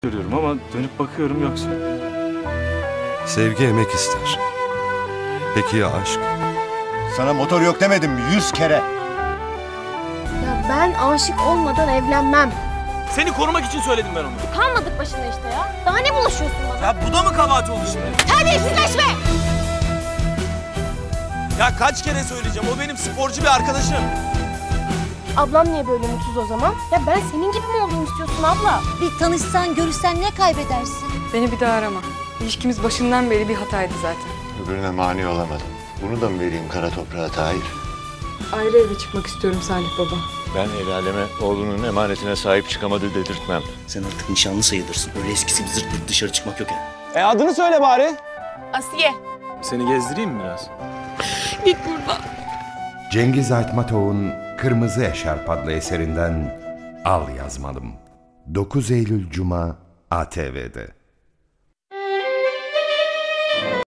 görüyorum ama dönüp bakıyorum yoksa. Sevgi emek ister. Peki ya aşk? Sana motor yok demedim mi 100 kere? Ya ben aşık olmadan evlenmem. Seni korumak için söyledim ben onu. Kalmadık başına işte ya. Daha ne bulaşıyorsun bana? Ya bu da mı kabahat oldu şimdi? Terbiyesizleşme! Ya kaç kere söyleyeceğim, o benim sporcu bir arkadaşım. Ablam niye böyle mutsuz o zaman? Ya ben senin gibi mi olduğumu istiyorsun abla? Bir tanışsan, görüşsen ne kaybedersin? Beni bir daha arama. İlişkimiz başından beri bir hataydı zaten. Öbürüne mani olamadım. Bunu da mı vereyim kara toprağa Tahir? Ayrı eve çıkmak istiyorum Salih baba. Ben el aleme oğlunun emanetine sahip çıkamadı dedirtmem. Sen artık nişanlı sayılırsın. Öyle eskisi gibi zırt pırt dışarı çıkmak yok yani. Adını söyle bari. Asiye. Seni gezdireyim mi biraz? Git buradan. Cengiz Aytmatov'un Kırmızı Eşarp adlı eserinden Al Yazmalım. 9 Eylül Cuma ATV'de.